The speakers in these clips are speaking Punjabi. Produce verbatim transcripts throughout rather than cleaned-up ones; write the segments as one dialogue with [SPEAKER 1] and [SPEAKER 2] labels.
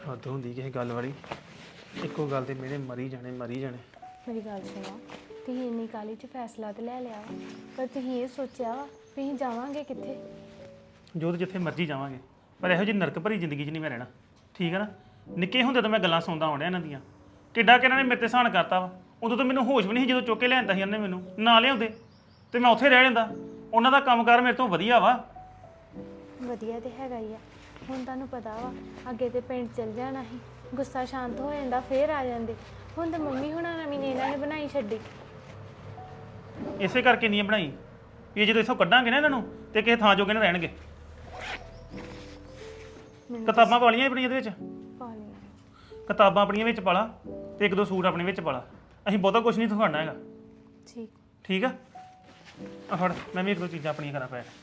[SPEAKER 1] ਹੱਦ ਹੁੰਦੀ ਕਿਸੇ ਗੱਲ ਵਾਲੀ। ਇੱਕੋ ਗੱਲ ਤੇ ਮੇਰੇ ਮਰੀ ਜਾਣੇ ਮਰੀ ਜਾਣੇ।
[SPEAKER 2] ਮੇਰੀ ਗੱਲ ਸੁਣੋ, ਤੁਸੀਂ ਇੰਨੀ ਕਾਹਲੀ 'ਚ ਫੈਸਲਾ ਤੇ ਲੈ ਲਿਆ ਵਾ, ਪਰ ਤੁਸੀਂ ਇਹ ਸੋਚਿਆ ਵਾ ਵੀ ਅਸੀਂ ਜਾਵਾਂਗੇ ਕਿੱਥੇ?
[SPEAKER 1] ਜੋਤ ਜਿੱਥੇ ਮਰਜ਼ੀ ਜਾਵਾਂਗੇ, ਪਰ ਇਹੋ ਜਿਹੀ ਨਰਕ ਭਰੀ ਜ਼ਿੰਦਗੀ 'ਚ ਨਹੀਂ ਮੈਂ ਰਹਿਣਾ। ਠੀਕ ਹੈ ਨਾ। ਨਿੱਕੇ ਹੁੰਦੇ ਤਾਂ ਮੈਂ ਗੱਲਾਂ ਸੁਣਦਾ ਆਉਣ ਡਿਆ ਇਹਨਾਂ ਦੀਆਂ, ਕਿੱਡਾ ਕਿ ਇਹਨਾਂ ਨੇ ਮੇਰੇ ਤੇ ਸਹਾਨ ਕਰਤਾ ਵਾ। ਉਦੋਂ ਤਾਂ ਮੈਨੂੰ ਹੋਸ਼ ਵੀ ਨਹੀਂ ਸੀ ਜਦੋਂ ਚੁੱਕ ਕੇ ਲਿਆਂਦਾ ਸੀ ਇਹਨੇ ਮੈਨੂੰ। ਨਾ ਲਿਆਉਂਦੇ ਤੇ ਮੈਂ ਉੱਥੇ ਰਹਿ ਜਾਂਦਾ। ਉਹਨਾਂ ਦਾ ਕੰਮਕਾਰ ਮੇਰੇ ਤੋਂ ਵਧੀਆ ਵਾ।
[SPEAKER 2] ਵਧੀਆ ਤੇ ਹੈਗਾ ਹੀ ਆ। ਹੁਣ ਤੁਹਾਨੂੰ ਪਤਾ ਵਾ, ਅੱਗੇ ਤੇ ਪਿੰਡ ਚਲ ਜਾਣਾ ਸੀ, ਗੁੱਸਾ ਸ਼ਾਂਤ ਹੋ ਜਾਂਦਾ, ਫੇਰ ਆ ਜਾਂਦੇ। ਹੁਣ ਤਾਂ ਮੰਮੀ ਹੁਣਾਂ ਨਵੀਂ ਨੇ ਇਹਨਾਂ ਨੇ ਬਣਾਈ ਛੱਡੀ।
[SPEAKER 1] ਇਸੇ ਕਰਕੇ ਨਹੀਂ ਬਣਾਈ ਵੀ ਇਹ ਜਦੋਂ ਇੱਥੋਂ ਕੱਢਾਂਗੇ ਨਾ ਇਹਨਾਂ ਨੂੰ ਤੇ ਕਿਸੇ ਥਾਂ ਜੋਗੇ ਨਾ ਰਹਿਣਗੇ। ਕਿਤਾਬਾਂ ਪਾ ਲਈਆਂ ਆਪਣੀਆਂ ਇਹਦੇ ਵਿੱਚ,
[SPEAKER 2] ਪਾ ਲਿਆ।
[SPEAKER 1] ਕਿਤਾਬਾਂ ਆਪਣੀਆਂ ਵਿੱਚ ਪਾ ਲਾ ਤੇ ਇੱਕ ਦੋ ਸੂਟ ਆਪਣੇ ਵਿੱਚ ਪਾ ਲਾ। ਅਸੀਂ ਬਹੁਤਾ ਕੁਝ ਨਹੀਂ ਦਿਖਾਉਣਾ ਹੈਗਾ।
[SPEAKER 2] ਠੀਕ
[SPEAKER 1] ਠੀਕ ਆ। ਆ ਫੜ, ਮੈਂ ਵੀ ਇੱਕ ਦੋ ਚੀਜ਼ਾਂ ਆਪਣੀਆਂ ਕਰਾਂ ਪੈਕ।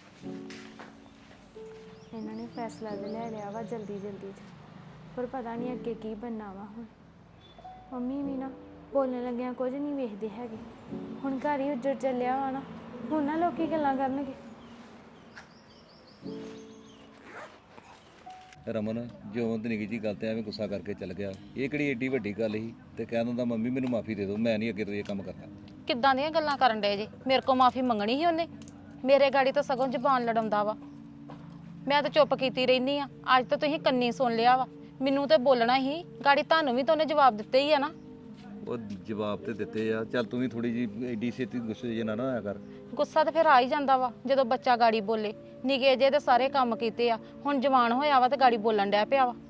[SPEAKER 2] ਇਹਨਾਂ ਨੇ ਫੈਸਲਾ ਤੇ ਲੈ ਲਿਆ ਵਾ ਜਲਦੀ ਜਲਦੀ 'ਚ, ਪਰ ਪਤਾ ਨਹੀਂ ਅੱਗੇ ਕੀ ਬਣਨਾ ਵਾ। ਹੁਣ ਮੰਮੀ ਵੀ ਨਾ ਬੋਲਣ ਲੱਗਿਆਂ ਕੁਝ ਨਹੀਂ ਵੇਖਦੇ ਹੈਗੇ। ਹੁਣ ਘਰ ਹੀ ਉੱਜੜ ਚੱਲਿਆ ਵਾ ਨਾ, ਹੁਣ ਨਾ ਲੋਕੀ ਗੱਲਾਂ ਕਰਨਗੇ।
[SPEAKER 3] ਰਮਨ ਜਿਉਂ ਤੇ ਨਿੱਕੀ ਜੀ ਗੱਲ ਤੇ ਐਵੇਂ ਗੁੱਸਾ ਕਰਕੇ ਚੱਲ ਗਿਆ। ਇਹ ਕਿਹੜੀ ਏਡੀ ਵੱਡੀ ਗੱਲ ਸੀ ਤੇ ਕਹਿ ਦਿੰਦਾ ਮੰਮੀ ਮੈਨੂੰ ਮਾਫੀ ਦੇ ਦਿਓ, ਮੈਂ ਨਹੀਂ ਅੱਗੇ ਤੋਂ ਇਹ ਕੰਮ ਕਰਨਾ।
[SPEAKER 4] ਕਿੱਦਾਂ ਦੀਆਂ ਗੱਲਾਂ ਕਰਨ ਡੇ ਜੀ? ਮੇਰੇ ਕੋਲ ਮਾਫੀ ਮੰਗਣੀ ਸੀ ਉਹਨੇ? ਮੇਰੇ ਗਾੜੀ ਤਾਂ ਸਗੋਂ ਜ਼ਬਾਨ ਲੜਾਉਂਦਾ ਵਾ। ਮੈਂ ਤਾਂ ਚੁੱਪ ਕੀਤੀ ਰਹਿੰਦੀ ਆ। ਅੱਜ ਤਾਂ ਤੁਸੀਂ ਕੰਨੀ ਸੁਣ ਲਿਆ ਵਾ। ਮੈਨੂੰ ਤੇ ਬੋਲਣਾ ਹੀ, ਗਾੜੀ ਤੁਹਾਨੂੰ ਵੀ ਤਾਂ ਉਹਨੇ ਜਵਾਬ ਦਿੱਤੇ ਹੀ ਆ ਨਾ।
[SPEAKER 3] ਉਹ ਜਵਾਬ ਤੇ ਦਿੱਤੇ ਆ। ਚੱਲ ਤੂੰ ਵੀ ਥੋੜੀ ਜੀ ਏਡੀ ਛੇਤੀ ਗੁੱਸੇ ਜੇ ਨਾ ਨਾ ਹੋਇਆ ਕਰ।
[SPEAKER 4] ਗੁੱਸਾ ਤਾਂ ਫਿਰ ਆ ਹੀ ਜਾਂਦਾ ਵਾ ਜਦੋਂ ਬੱਚਾ ਗਾੜੀ ਬੋਲੇ। ਨਿੱਕੇ ਜੇ ਤੇ ਸਾਰੇ ਕੰਮ ਕੀਤੇ ਆ, ਹੁਣ ਜਵਾਨ ਹੋਇਆ ਵਾ ਤੇ ਗਾੜੀ ਬੋਲਣ ਡਿਆ ਪਿਆ ਵਾ।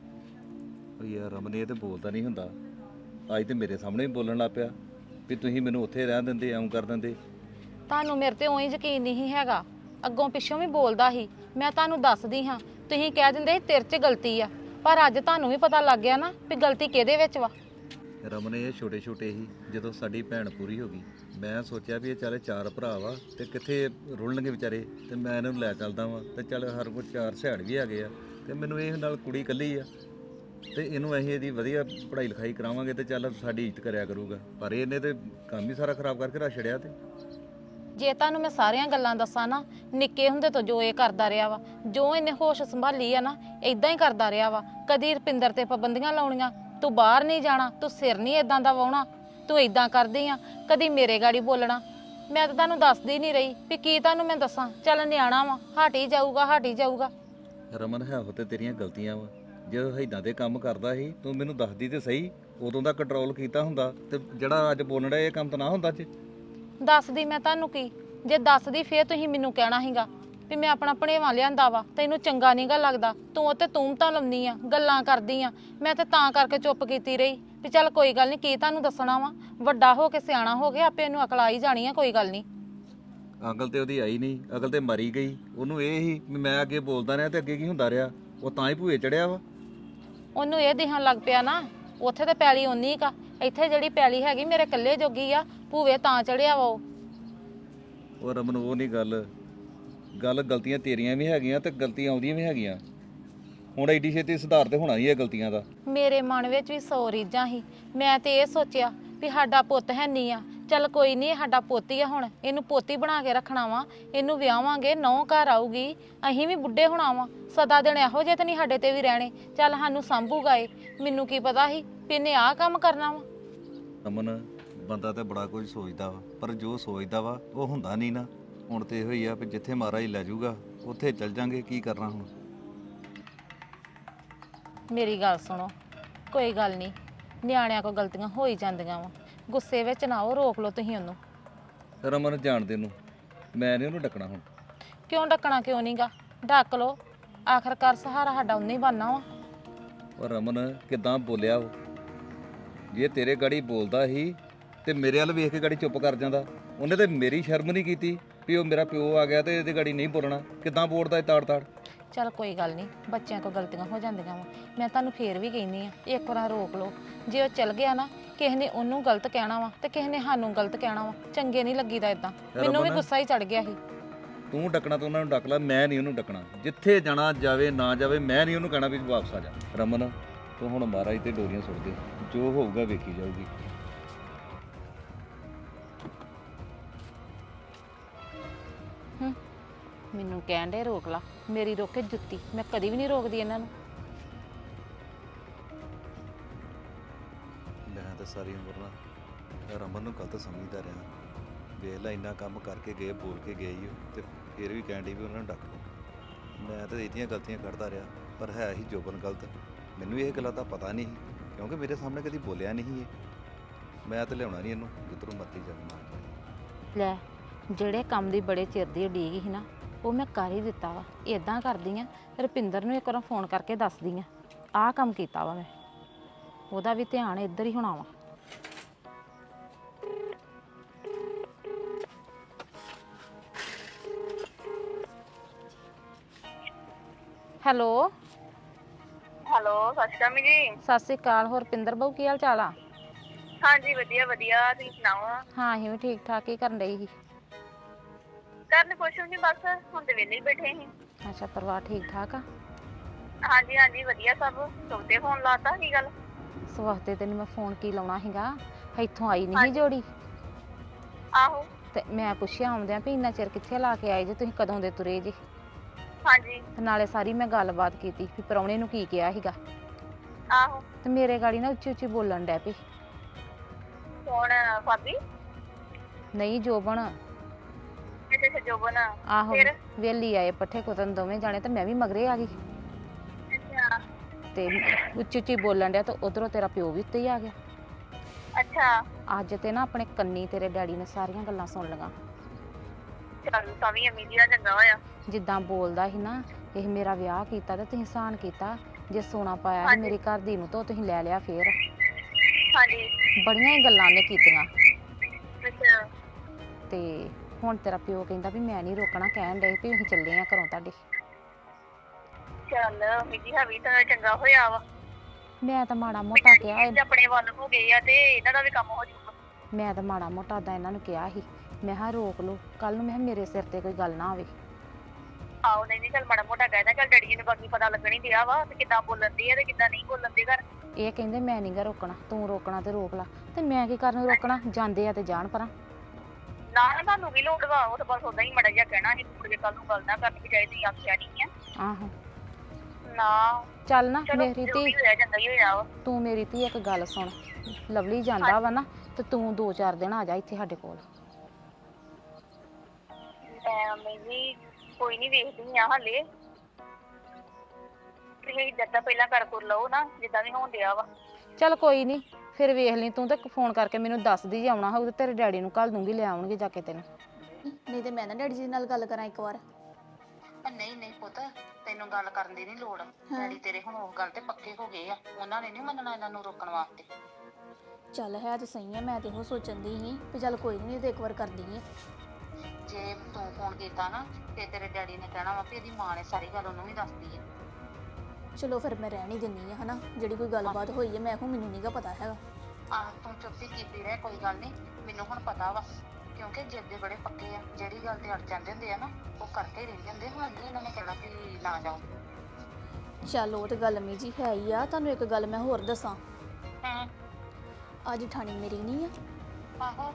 [SPEAKER 3] ਉਹ ਯਾਰ ਰਮਨ ਇਹ ਤੇ ਬੋਲਦਾ ਨਹੀਂ ਹੁੰਦਾ। ਅੱਜ ਤੇ ਮੇਰੇ ਸਾਹਮਣੇ ਵੀ ਬੋਲਣ ਲੱਗ ਪਿਆ ਵੀ ਤੁਸੀਂ ਮੈਨੂੰ ਉੱਥੇ ਰਹਿਣ ਦਿੰਦੇ, ਐਂ ਕਰ ਦਿੰਦੇ।
[SPEAKER 4] ਤੁਹਾਨੂੰ ਮੇਰੇ ਤੇ ਉਹੀ ਯਕੀਨ ਨਹੀਂ ਹੈਗਾ। ਅੱਗੋਂ ਪਿੱਛੋਂ ਵੀ ਬੋਲਦਾ ਸੀ। ਮੈਂ ਤੁਹਾਨੂੰ ਦੱਸਦੀ ਹਾਂ, ਤੁਸੀਂ ਕਹਿ ਦਿੰਦੇ ਸੀ ਤੇਰੇ 'ਚ ਗਲਤੀ ਆ, ਪਰ ਅੱਜ ਤੁਹਾਨੂੰ ਵੀ ਪਤਾ ਲੱਗ ਗਿਆ ਨਾ ਵੀ ਗਲਤੀ ਕਿਹਦੇ ਵਿੱਚ ਵਾ।
[SPEAKER 3] ਰਮਨ ਇਹ ਛੋਟੇ ਛੋਟੇ ਹੀ ਜਦੋਂ ਸਾਡੀ ਭੈਣ ਪੂਰੀ ਹੋ ਗਈ, ਮੈਂ ਸੋਚਿਆ ਵੀ ਇਹ ਚਾਰੇ ਚਾਰ ਭਰਾ ਵਾ ਤੇ ਕਿੱਥੇ ਰੁਲਣਗੇ ਵਿਚਾਰੇ, ਤੇ ਮੈਂ ਇਹਨਾਂ ਨੂੰ ਲੈ ਚੱਲਦਾ ਵਾਂ ਤੇ ਚੱਲ ਹਰ ਕੋਈ ਚਾਰ ਸਿਆੜ ਵੀ ਹੈਗੇ ਆ ਤੇ ਮੈਨੂੰ ਇਹ ਨਾਲ ਕੁੜੀ ਇਕੱਲੀ ਆ ਤੇ ਇਹਨੂੰ ਅਸੀਂ ਇਹਦੀ ਵਧੀਆ ਪੜ੍ਹਾਈ ਲਿਖਾਈ ਕਰਾਵਾਂਗੇ ਤੇ ਚੱਲ ਸਾਡੀ ਇੱਜ਼ਤ ਕਰਿਆ ਕਰੂਗਾ। ਪਰ ਇਹਨੇ ਤੇ ਕੰਮ ਹੀ ਸਾਰਾ ਖਰਾਬ ਕਰਕੇ ਰੱਖ ਛੜਿਆ। ਤੇ
[SPEAKER 4] ਜੇ ਤੁਹਾਨੂੰ ਮੈਂ ਸਾਰੀਆਂ ਗੱਲਾਂ ਦੱਸਾਂ ਨਾ, ਨਿੱਕੇ ਹੁੰਦੇ ਤੋਂ ਜੋ ਇਹ ਕਰਦਾ ਰਿਹਾ ਵਾ, ਜੋ ਇਹਨੇ ਹੋਸ਼ ਸੰਭਾਲੀ ਆ ਨਾ, ਇਦਾਂ ਹੀ ਕਰਦਾ ਰਿਹਾ ਵਾ। ਕਦੀ ਰੁਪਿੰਦਰ ਤੇ ਪਾਬੰਦੀਆਂ ਲਾਉਣੀਆਂ, ਤੂੰ ਬਾਹਰ ਨਹੀਂ ਜਾਣਾ, ਤੂੰ ਸਿਰ ਨਹੀਂ ਇਦਾਂ ਦਾ ਵਾਹੁਣਾ, ਤੂੰ ਇਦਾਂ ਕਰਦੀ ਆ, ਕਦੀ ਮੇਰੇ ਗਾੜੀ ਬੋਲਣਾ। ਮੈਂ ਤਾਂ ਤੁਹਾਨੂੰ ਦੱਸਦੀ ਨਹੀਂ ਰਹੀ ਵੀ ਕੀ ਤੁਹਾਨੂੰ ਮੈਂ ਦੱਸਾਂ। ਚੱਲ ਨਿਆਣਾ ਵਾ, ਹਟ ਹੀ ਜਾਊਗਾ ਹਟ ਹੀ ਜਾਊਗਾ।
[SPEAKER 3] ਰਮਨ ਹੈ ਉਹ ਤੇ ਤੇਰੀਆਂ ਗਲਤੀਆਂ ਵਾ। ਜਦੋਂ ਇਦਾਂ ਦੇ ਕੰਮ ਕਰਦਾ ਸੀ ਤੂੰ ਮੈਨੂੰ ਦੱਸਦੀ ਤੇ ਸਹੀ, ਉਦੋਂ ਦਾ ਕੰਟਰੋਲ ਕੀਤਾ ਹੁੰਦਾ ਤੇ ਜਿਹੜਾ ਅੱਜ ਬੋਲਣ ਡਿਆ ਇਹ ਕੰਮ ਤਾਂ ਨਾ ਹੁੰਦਾ। ਅੱਜ
[SPEAKER 4] ਦੱਸਦੀ ਮੈਂ ਤੁਹਾਨੂੰ ਕੀ? ਜੇ ਦੱਸਦੀ ਫੇਰ ਤੁਸੀਂ ਮੈਨੂੰ ਕਹਿਣਾ ਸੀਗਾ ਵੀ ਮੈਂ ਆਪਣਾ ਭਣੇਵਾਂ ਲਿਆਂਦਾ ਵਾ, ਤੈਨੂੰ ਚੰਗਾ ਨਹੀਂ ਗਾ ਲੱਗਦਾ, ਤੂੰ ਉੱਤੇ ਤੂੰ ਤਾਂ ਲਾਉਂਦੀ ਆ, ਗੱਲਾਂ ਕਰਦੀ ਆ। ਮੈਂ ਤੇ ਤਾਂ ਕਰਕੇ ਚੁੱਪ ਕੀਤੀ ਰਹੀ ਵੀ ਚੱਲ ਕੋਈ ਗੱਲ ਨਹੀਂ, ਕੀ ਤੁਹਾਨੂੰ ਦੱਸਣਾ ਵਾ। ਵੱਡਾ ਹੋ ਕੇ ਸਿਆਣਾ ਹੋ ਕੇ ਆਪੇ ਇਹਨੂੰ ਅਕਲ ਆ ਹੀ ਜਾਣੀ ਆ, ਕੋਈ ਗੱਲ ਨਹੀਂ।
[SPEAKER 3] ਅਕਲ ਤੇ ਉਹਦੀ ਆਈ ਨਹੀਂ, ਅਕਲ ਤੇ ਮਰੀ ਗਈ। ਉਹਨੂੰ ਇਹ ਹੀ ਵੀ ਮੈਂ ਅੱਗੇ ਬੋਲਦਾ ਰਿਹਾ ਤੇ ਅੱਗੇ ਕੀ ਹੁੰਦਾ ਰਿਹਾ, ਉਹ ਤਾਂ ਹੀ ਭੂਏ ਚੜਿਆ ਵਾ।
[SPEAKER 4] ਉਹਨੂੰ ਇਹ ਦਿਖਣ ਲੱਗ ਪਿਆ ਨਾ ਉੱਥੇ ਤਾਂ ਪੈਲੀ ਓਨੀ ਕਾ, ਇੱਥੇ ਜਿਹੜੀ ਪੈਲੀ ਹੈਗੀ ਮੇਰੇ ਇਕੱਲੇ ਜੋਗੀ ਆ, ਭੂਵੇ ਤਾਂ ਚੜਿਆ ਵਾ ਉਹ।
[SPEAKER 3] ਉਹ ਰਮਨ ਉਹ ਨਹੀਂ ਗੱਲ ਗੱਲ ਗਲਤੀਆਂ ਤੇਰੀਆਂ ਵੀ ਹੈਗੀਆਂ ਤੇ ਗਲਤੀਆਂ ਆਉਂਦੀਆਂ ਵੀ ਹੈਗੀਆਂ। ਹੁਣ ਐਡੀ ਛੇਤੀ ਸੁਧਾਰ ਤੇ ਹੋਣਾ ਹੀ ਹੈ ਗਲਤੀਆਂ ਦਾ।
[SPEAKER 4] ਮੇਰੇ ਮਨ ਵਿੱਚ ਵੀ ਸੌ ਰੀਝਾਂ ਸੀ। ਮੈਂ ਤੇ ਇਹ ਸੋਚਿਆ ਵੀ ਸਾਡਾ ਪੁੱਤ ਹੈ ਨਹੀਂ ਆ, ਚੱਲ ਕੋਈ ਨਹੀਂ, ਸਾਡਾ ਪੁੱਤ ਹੀ ਆ, ਹੁਣ ਇਹਨੂੰ ਪੋਤੀ ਬਣਾ ਕੇ ਰੱਖਣਾ ਵਾ, ਇਹਨੂੰ ਵਿਆਹਾਂਗੇ, ਨੌਂ ਘਰ ਆਊਗੀ, ਅਸੀਂ ਵੀ ਬੁੱਢੇ ਹੋਣਾ ਵਾ, ਸਦਾ ਦਿਨ ਇਹੋ ਜਿਹੇ ਤੇ ਨਹੀਂ ਸਾਡੇ ਤੇ ਵੀ ਰਹਿਣੇ, ਚੱਲ ਸਾਨੂੰ ਸਾਂਭੂਗਾ ਇਹ। ਮੈਨੂੰ ਕੀ ਪਤਾ ਸੀ ਵੀ ਇਹਨੇ ਆਹ ਕੰਮ ਕਰਨਾ ਵਾ।
[SPEAKER 3] ਰਮਨ ਬੰਦਾ ਤੇ ਬੜਾ ਕੁਝ ਸੋਚਦਾ ਵਾ, ਪਰ ਜੋ ਸੋਚਦਾ ਵਾ ਉਹ ਹੁੰਦਾ ਨਹੀਂ ਨਾ। ਹੁਣ ਤੇ ਇਹੋ ਹੀ ਆ ਵੀ ਜਿੱਥੇ ਮਹਾਰਾਜ ਲੈ ਜਾਊਗਾ ਉੱਥੇ ਚੱਲ ਜਾਂਗੇ, ਕੀ ਕਰਨਾ ਹੁਣ।
[SPEAKER 4] ਮੇਰੀ ਗੱਲ ਸੁਣੋ, ਕੋਈ ਗੱਲ ਨਹੀਂ, ਨਿਆਣਿਆਂ ਕੋਲ ਗਲਤੀਆਂ ਹੋ ਹੀ ਜਾਂਦੀਆਂ ਵਾ, ਗੁੱਸੇ ਵਿੱਚ ਨਾ ਉਹ, ਰੋਕ ਲਓ ਤੁਸੀਂ ਉਹਨੂੰ।
[SPEAKER 3] ਰਮਨ ਜਾਣਦੇ ਨੂੰ ਮੈਂ ਨਹੀਂ ਉਹਨੂੰ ਡੱਕਣਾ ਹੁਣ।
[SPEAKER 4] ਕਿਉਂ ਡੱਕਣਾ ਕਿਉਂ ਨਹੀਂਗਾ? ਡੱਕ ਲਓ, ਆਖਰਕਾਰ ਸਹਾਰਾ ਸਾਡਾ ਉਹਨੇ ਹੀ ਬਣਨਾ ਵਾ।
[SPEAKER 3] ਉਹ ਰਮਨ ਕਿਦਾਂ ਬੋਲਿਆ ਉਹ, ਜੇ ਤੇਰੇ ਗਾੜੀ ਬੋਲਦਾ ਸੀ ਤੇ ਮੇਰੇ ਵੱਲ ਵੇਖ ਕੇ ਗਾੜੀ ਚੁੱਪ ਕਰ ਜਾਂਦਾ। ਉਹਨੇ ਤੇ ਮੇਰੀ ਸ਼ਰਮ ਨਹੀਂ ਕੀਤੀ ਵੀ ਉਹ ਮੇਰਾ ਪਿਓ ਆ ਗਿਆ ਤੇ ਇਹਦੀ ਗਾੜੀ ਨਹੀਂ ਬੋਲਣਾ। ਕਿਦਾਂ ਬੋਲਦਾ ਤਾੜ ਤਾੜ।
[SPEAKER 4] ਚੱਲ ਕੋਈ ਗੱਲ ਨਹੀਂ, ਬੱਚਿਆਂ ਕੋਲ ਗਲਤੀਆਂ ਹੋ ਜਾਂਦੀਆਂ ਵਾ। ਮੈਂ ਤੁਹਾਨੂੰ ਫੇਰ ਵੀ ਕਹਿੰਦੀ ਆ, ਇੱਕ ਵਾਰ ਰੋਕ ਲਓ। ਜੇ ਉਹ ਚੱਲ ਗਿਆ ਨਾ, ਕਿਸੇ ਨੇ ਉਹਨੂੰ ਗਲਤ ਕਹਿਣਾ ਵਾ ਤੇ ਕਿਸੇ ਨੇ ਸਾਨੂੰ ਗਲਤ ਕਹਿਣਾ ਵਾ, ਚੰਗੇ ਨਹੀਂ ਲੱਗੀਦਾ ਇਦਾਂ। ਮੈਨੂੰ ਵੀ ਗੁੱਸਾ ਹੀ ਚੜ ਗਿਆ ਸੀ।
[SPEAKER 3] ਤੂੰ ਡੱਕਣਾ ਤਾਂ ਉਹਨਾਂ ਨੂੰ ਡੱਕ ਲੈ, ਮੈਂ ਨਹੀਂ ਉਹਨੂੰ ਡੱਕਣਾ। ਜਿੱਥੇ ਜਾਣਾ ਜਾਵੇ ਨਾ ਜਾਵੇ, ਮੈਂ ਨਹੀਂ ਉਹਨੂੰ ਕਹਿਣਾ ਵੀ ਵਾਪਸ ਆ ਜਾ। ਰਮਨ ਤੂੰ ਹੁਣ ਮਹਾਰਾਜ ਤੇ ਡੋਰੀਆਂ ਸੁੱਟ ਦੇ, ਜੋ ਹੋਊਗਾ ਵੇਖੀ ਜਾਊਗੀ।
[SPEAKER 4] ਹੂੰ, ਮੈਨੂੰ ਕਹਿਣ ਦੇ ਰੋਕ ਲਾ, ਮੇਰੀ ਰੋਕੇ ਜੁੱਤੀ। ਮੈਂ ਕਦੀ ਵੀ ਨਹੀਂ ਰੋਕਦੀ ਇਹਨਾਂ ਨੂੰ।
[SPEAKER 3] ਤੇ ਸਾਰੀ ਉਮਰ ਨਾ ਰਮਨ ਨੂੰ ਗਲਤ ਸਮਝਦਾ ਰਿਹਾ। ਵੇਖ ਲੈ ਇੰਨਾ ਕੰਮ ਕਰਕੇ ਗਏ, ਬੋਲ ਕੇ ਗਏ ਹੀ ਉਹ, ਤੇ ਫਿਰ ਵੀ ਕਹਿਣ ਡਈ ਵੀ ਉਹਨਾਂ ਨੂੰ ਡੱਕ ਲਓ। ਮੈਂ ਤਾਂ ਇਹਦੀਆਂ ਗਲਤੀਆਂ ਕੱਢਦਾ ਰਿਹਾ, ਪਰ ਹੈ ਹੀ ਜੋਬਨ ਗਲਤ। ਮੈਨੂੰ ਇਹ ਗੱਲਾਂ ਦਾ ਪਤਾ ਨਹੀਂ ਸੀ, ਕਿਉਂਕਿ ਮੇਰੇ ਸਾਹਮਣੇ ਕਦੀ ਬੋਲਿਆ ਨਹੀਂ ਸੀ ਇਹ। ਮੈਂ ਤਾਂ ਲਿਆਉਣਾ ਨਹੀਂ ਇਹਨੂੰ, ਜਿੱਧਰੋਂ ਮਰਜ਼ੀ ਜਾਣਾ।
[SPEAKER 4] ਲੈ ਜਿਹੜੇ ਕੰਮ ਦੀ ਬੜੇ ਚਿਰ ਦੀ ਉਡੀਕ ਸੀ ਨਾ, ਉਹ ਮੈਂ ਕਰ ਹੀ ਦਿੱਤਾ ਵਾ। ਇਦਾਂ ਕਰਦੀ ਆ, ਰੁਪਿੰਦਰ ਨੂੰ ਇੱਕ ਵਾਰ ਫੋਨ ਕਰਕੇ ਦੱਸਦੀ ਆ ਆਹ ਕੰਮ ਕੀਤਾ ਵਾ ਮੈਂ, ਉਹਦਾ ਵੀ ਧਿਆਨ ਇੱਧਰ ਹੀ ਹੋਣਾ ਵਾ। ਹੈਲੋ
[SPEAKER 5] ਹੈਲੋ, ਸਤਿ ਸ਼੍ਰੀ ਅਕਾਲ ਮੰਮੀ ਜੀ।
[SPEAKER 4] ਸਤਿ ਸ਼੍ਰੀ ਅਕਾਲ। ਹੋਰ ਰੁਪਿੰਦਰ ਬਾਊ ਕੀ ਹਾਲ ਚਾਲ ਆ?
[SPEAKER 5] ਹਾਂਜੀ ਵਧੀਆ ਵਧੀਆ, ਤੁਸੀਂ ਸੁਣਾਓ?
[SPEAKER 4] ਹਾਂ ਅਸੀਂ ਵੀ ਠੀਕ ਠਾਕ ਹੀ ਕਰਨ ਰਹੀ ਸੀ।
[SPEAKER 5] ਕਰਨ ਕੁਛ ਨਹੀਂ, ਬਸ ਹੁਣ ਤੇ ਵਿਹਲੇ ਹੀ ਬੈਠੇ ਸੀ।
[SPEAKER 4] ਅੱਛਾ, ਪਰਿਵਾਰ ਠੀਕ ਠਾਕ ਆ?
[SPEAKER 5] ਹਾਂਜੀ ਹਾਂਜੀ ਵਧੀਆ ਸਭ। ਚੌਥੇ ਫੋਨ ਲਾਤਾ, ਕੀ ਗੱਲ?
[SPEAKER 4] ਸਵਾਸਤੇ ਤੈਨੂੰ ਮੈਂ ਫੋਨ ਕੀ ਲਾਉਣਾ ਸੀਗਾ, ਇੱਥੋਂ ਆਈ ਨਹੀਂ ਸੀ
[SPEAKER 5] ਹਾਂਜੀ।
[SPEAKER 4] ਜੋੜੀ,
[SPEAKER 5] ਆਹੋ।
[SPEAKER 4] ਤੇ ਮੈਂ ਪੁੱਛਿਆ ਆਉਂਦਿਆਂ ਵੀ ਇੰਨਾ ਚਿਰ ਕਿੱਥੇ ਲਾ ਕੇ ਆਏ ਜੇ, ਤੁਸੀਂ ਕਦੋਂ ਦੇ ਤੁਰੇ ਜੇ?
[SPEAKER 5] ਹਾਂਜੀ।
[SPEAKER 4] ਤੇ ਨਾਲੇ ਸਾਰੀ ਮੈਂ ਗੱਲਬਾਤ ਕੀਤੀ ਵੀ ਪ੍ਰਾਹੁਣੇ ਨੂੰ ਕੀ ਕਿਹਾ ਸੀਗਾ,
[SPEAKER 5] ਆਹੋ।
[SPEAKER 4] ਤੇ ਮੇਰੇ ਗਾੜੀ ਨਾ ਉੱਚੀ ਉੱਚੀ ਬੋਲਣ ਡੈ ਪਈ।
[SPEAKER 5] ਕੌਣ? ਭਾਬੀ?
[SPEAKER 4] ਨਹੀਂ ਜੋਬਨ।
[SPEAKER 5] ਅੱਛਾ ਅੱਛਾ, ਜੋਬਨ।
[SPEAKER 4] ਆਹੋ,
[SPEAKER 5] ਫਿਰ?
[SPEAKER 4] ਵੇਲੀ ਆਏ ਪੱਠੇ ਕੁਤਰਨ ਦੋਵੇਂ ਜਾਣੇ, ਤੇ ਮੈਂ ਵੀ ਮਗਰੇ ਆ ਗਈ
[SPEAKER 5] ਅੱਛਾ
[SPEAKER 4] ਤੇ ਉੱਚੀ ਉੱਚੀ ਬੋਲਣ ਡਿਆ, ਤੇ ਉਧਰੋਂ ਤੇਰਾ ਪਿਓ ਵੀ ਉੱਤੇ ਹੀ ਆ ਗਿਆ।
[SPEAKER 5] ਅੱਛਾ।
[SPEAKER 4] ਅੱਜ ਤੇ ਨਾ ਆਪਣੇ ਕੰਨੀ ਤੇਰੇ ਡੈਡੀ ਨੇ ਸਾਰੀਆਂ ਗੱਲਾਂ ਸੁਣ ਲਈਆਂ।
[SPEAKER 5] ਚੱਲ ਤਾਂ ਵੀ ਅਮੀ ਜੀ ਦਾ ਚੰਗਾ ਹੋਇਆ।
[SPEAKER 4] ਜਿੱਦਾਂ ਬੋਲਦਾ ਸੀ ਨਾ, ਇਹ ਮੇਰਾ ਵਿਆਹ ਕੀਤਾ ਤੇ ਤੁਸੀਂ ਸਾਨ ਕੀਤਾ, ਜੇ ਸੋਨਾ ਪਾਇਆ ਸੀ
[SPEAKER 5] ਹਾਂਜੀ।
[SPEAKER 4] ਮੇਰੀ ਘਰ ਦੀ ਨੂੰ ਤਾਂ ਤੁਸੀਂ ਲੈ ਲਿਆ ਫੇਰ।
[SPEAKER 5] ਹਾਂਜੀ।
[SPEAKER 4] ਬੜੀਆਂ ਹੀ ਗੱਲਾਂ ਨੇ ਕੀਤੀਆਂ।
[SPEAKER 5] ਅੱਛਾ।
[SPEAKER 4] ਤੇ ਹੁਣ ਤੇਰਾ ਪਿਓ ਕਹਿੰਦਾ ਵੀ ਮੈਂ ਨਹੀਂ ਰੋਕਣਾ, ਕਹਿਣ ਡਏ ਵੀ ਅਸੀਂ ਚੱਲੇ ਆ ਘਰੋਂ ਤੁਹਾਡੇ।
[SPEAKER 5] ਚੱਲ ਅਮੀ ਜੀ ਹੈ ਵੀ ਤਾਂ ਚੰਗਾ ਹੋਇਆ ਵਾ।
[SPEAKER 4] ਮੈਂ ਤਾਂ ਮਾੜਾ
[SPEAKER 5] ਵੀ
[SPEAKER 4] ਮੋਟਾ ਕਿਹਾ
[SPEAKER 5] ਡੈਡੀ ਜੀ ਆਪਣੇ ਵੱਲ ਹੋ ਗਏ ਆ, ਤੇ ਇਹਨਾਂ ਦਾ ਵੀ ਕੰਮ ਹੋ ਜਾਊਗਾ।
[SPEAKER 4] ਮੈਂ ਤਾਂ ਮਾੜਾ ਮੋਟਾ ਦਾ ਇਹਨਾਂ ਨੂੰ ਕਿਹਾ ਸੀ, ਮੈਂ ਕਿਹਾ ਰੋਕ ਲਓ, ਕੱਲ ਨੂੰ ਮੈਂ ਕਿਹਾ ਮੇਰੇ ਸਿਰ ਤੇ ਕੋਈ ਗੱਲ ਨਾ ਆਵੇ।
[SPEAKER 5] ਆਹੋ, ਨਹੀਂ ਨਹੀਂ, ਚੱਲ ਮਾੜਾ ਮੋਟਾ ਕਹਿਦਾ, ਚੱਲ ਡੈਡੀ ਜੀ ਨੂੰ ਬਾਕੀ ਪਤਾ ਲੱਗਣ ਹੀ ਦਿਆ ਵਾ, ਤੇ ਕਿੱਦਾਂ ਬੋਲਣ ਦੀ ਆ ਤੇ ਕਿੱਦਾਂ ਨਹੀਂ ਬੋਲਣ ਦੇ ਘਰ।
[SPEAKER 4] ਇਹ ਕਹਿੰਦੇ ਮੈਂ ਨੀ ਗਾ ਰੋਕਣਾ, ਤੂੰ ਰੋਕਣਾ ਤੇ ਰੋਕ ਲਾ, ਤੇ ਮੈਂ ਕੀ ਕਰਨ ਰੋਕਣਾ, ਜਾਂਦੇ ਆ ਤੇ ਜਾਣ ਪਰਾਂ।
[SPEAKER 5] ਨਾ ਨਾ, ਤੁਹਾਨੂੰ ਵੀ ਲੋੜ ਵਾ, ਉਹ ਤਾਂ ਬਸ ਉਦਾਂ ਹੀ ਮਾੜਾ ਜਿਹਾ ਕਹਿਣਾ ਸੀ, ਮੁੜ ਕੇ ਕੱਲ ਨੂੰ ਗੱਲ ਨਾ ਕਰਨੀ ਚਾਹੀਦੀ, ਆਖਿਆ ਨਹੀਂ ਆ।
[SPEAKER 4] ਆਹੋ
[SPEAKER 5] ਨਾ
[SPEAKER 4] ਚੱਲ ਨਾ
[SPEAKER 5] ਚਲੋ,
[SPEAKER 4] ਮੇਰੀ
[SPEAKER 5] ਜੋ
[SPEAKER 4] ਧੀ,
[SPEAKER 5] ਵੀ ਹੋਇਆ ਚੰਗਾ ਹੀ ਹੋਇਆ ਵਾ।
[SPEAKER 4] ਤੂੰ ਮੇਰੀ ਧੀ ਇੱਕ ਗੱਲ ਸੁਣ, ਲਵਲੀ ਜਾਂਦਾ ਵਾ ਨਾ, ਤੇ ਤੂੰ ਦੋ ਚਾਰ ਦਿਨ ਆ ਜਾ ਇੱਥੇ ਸਾਡੇ ਕੋਲ।
[SPEAKER 5] ਮੈਂ ਵੀ ਕੋਈ ਨਹੀਂ ਵੇਖਦੀ ਆ ਹਾਲੇ, ਤੁਸੀਂ ਜਿੱਦਾਂ ਪਹਿਲਾਂ ਕਰ ਕੁਰ ਲਓ ਨਾ, ਜਿੱਦਾਂ ਵੀ ਹੋਣ ਡਿਆ ਵਾ।
[SPEAKER 4] ਚੱਲ ਕੋਈ ਨਹੀਂ, ਫਿਰ ਵੇਖ ਲਈ ਤੂੰ, ਤੇ ਫੋਨ ਕਰਕੇ ਮੈਨੂੰ ਦੱਸਦੀ ਜੇ ਆਉਣਾ ਹੋਊ ਤੇ ਤੇਰੇ ਡੈਡੀ ਨੂੰ ਘੱਲ ਦੂੰਗੀ, ਲੈ ਆਉਣਗੇ ਜਾ ਕੇ ਤੈਨੂੰ।
[SPEAKER 6] ਨਹੀਂ ਤੇ ਮੈਂ ਨਾ ਡੈਡੀ ਜੀ ਨਾਲ ਗੱਲ ਕਰਾਂ ਇੱਕ ਵਾਰ।
[SPEAKER 4] ਨਹੀਂ ਨਹੀਂ ਪੁੱਤ, ਤੈਨੂੰ ਗੱਲ ਕਰਨ ਦੀ ਨਹੀਂ ਲੋੜ, ਡੈਡੀ ਤੇਰੇ ਹੁਣ ਉਹ ਗੱਲ ਤੇ ਪੱਕੇ ਹੋ ਗਏ ਆ, ਉਹਨਾਂ ਨੇ ਨਹੀਂ ਮੰਨਣਾ ਇਹਨਾਂ ਨੂੰ ਰੋਕਣ ਵਾਸਤੇ।
[SPEAKER 6] ਚੱਲ ਹੈ ਤੇ ਸਹੀ ਆ, ਮੈਂ ਤੇ ਉਹ ਸੋਚਣ ਦੀ ਸੀ ਵੀ ਚੱਲ ਕੋਈ ਨਹੀਂ ਤੇ ਇੱਕ ਵਾਰ ਕਰਦੀ ਆ।
[SPEAKER 4] ਜੇ ਤੂੰ ਫੋਨ ਕੀਤਾ ਨਾ, ਤੇ ਤੇਰੇ ਡੈਡੀ ਨੇ ਕਹਿਣਾ ਵਾ ਵੀ ਇਹਦੀ ਮਾਂ ਨੇ ਸਾਰੀ ਗੱਲ ਉਹਨੂੰ ਵੀ ਦੱਸਦੀ ਹੈ।
[SPEAKER 6] ਚਲੋ ਫਿਰ ਮੈਂ ਰਹਿਣ ਹੀ ਦਿੰਦੀ ਆ, ਹਨਾ, ਜਿਹੜੀ ਕੋਈ ਗੱਲਬਾਤ ਹੋਈ ਹੈ ਮੈਂ ਕਿਹਾ ਮੈਨੂੰ ਨਹੀਂਗਾ ਪਤਾ ਹੈਗਾ।
[SPEAKER 4] ਆਹ ਤੂੰ ਚੁੱਪੀ ਕੀਤੀ ਰਹਿ, ਕੋਈ ਗੱਲ ਨਹੀਂ, ਮੈਨੂੰ ਹੁਣ ਪਤਾ ਵਾ, ਕਿਉਂਕਿ ਜਿੱਦ ਦੇ ਬੜੇ ਪੱਕੇ ਆ, ਜਿਹੜੀ ਗੱਲ ਤੇ ਅੜ ਜਾਂਦੇ ਹੁੰਦੇ ਆ ਨਾ, ਉਹ ਕਰਕੇ ਹੀ ਰਹਿੰਦੇ ਹੁੰਦੇ। ਹੁਣ ਨਹੀਂ ਇਹਨਾਂ ਨੇ ਕਹਿਣਾ ਵੀ ਨਾ ਜਾਓ।
[SPEAKER 6] ਚੱਲ ਉਹ ਤੇ ਗੱਲ ਮੀ ਜੀ ਹੈ ਹੀ ਆ, ਤੁਹਾਨੂੰ ਇੱਕ ਗੱਲ ਮੈਂ ਹੋਰ ਦੱਸਾਂ।
[SPEAKER 4] ਹਾਂ।
[SPEAKER 6] ਅੱਜ ਠਾਣੀ ਮੇਰੀ ਨਹੀਂ ਆ।
[SPEAKER 4] ਆਹੋ।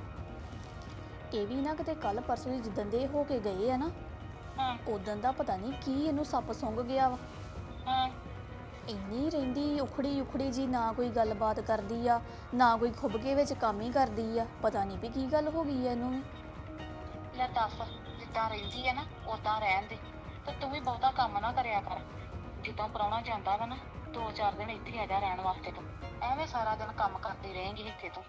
[SPEAKER 6] ਇਹ ਵੀ ਨਾ ਕਿਤੇ ਕੱਲ ਪਰਸੋਂ ਦੀ ਜਿੱਦਣ ਦੇ ਹੋ ਕੇ ਗਏ ਆ ਨਾ,
[SPEAKER 4] ਹਾਂ।
[SPEAKER 6] ਉਦੋਂ ਦਾ ਪਤਾ ਨਹੀਂ ਕੀ ਇਹਨੂੰ ਸੱਪ ਸੁੰਘ ਗਿਆ ਵਾ।
[SPEAKER 4] ਹਾਂ।
[SPEAKER 6] ਇੰਨੀ ਰਹਿੰਦੀ ਉਖੜੀ ਉਖੜੀ ਜੀ, ਨਾ ਕੋਈ ਗੱਲਬਾਤ ਕਰਦੀ ਆ, ਨਾ ਕੋਈ ਖੁੱਬਕੇ ਵਿੱਚ ਕੰਮ ਹੀ ਕਰਦੀ ਆ, ਪਤਾ ਨਹੀਂ ਵੀ ਕੀ ਗੱਲ ਹੋ ਗਈ ਆ ਇਹਨੂੰ ਵੀ।
[SPEAKER 4] ਲੈ ਦੱਸ, ਜਿੱਦਾਂ ਰਹਿੰਦੀ ਆ ਨਾ ਉਦਾਂ ਰਹਿਣ ਦੇ, ਤੇ ਤੂੰ ਵੀ ਬਹੁਤਾ ਕੰਮ ਨਾ ਕਰਿਆ ਕਰ। ਜਦੋਂ ਪ੍ਰਾਹੁਣਾ ਜਾਂਦਾ ਵਾ ਨਾ, ਦੋ ਚਾਰ ਦਿਨ ਇੱਥੇ ਆ ਜਾ ਰਹਿਣ ਵਾਸਤੇ, ਤੂੰ ਐਵੇਂ ਸਾਰਾ ਦਿਨ ਕੰਮ ਕਰਦੀ ਰਹੇਂਗੀ ਇੱਥੇ ਤੂੰ।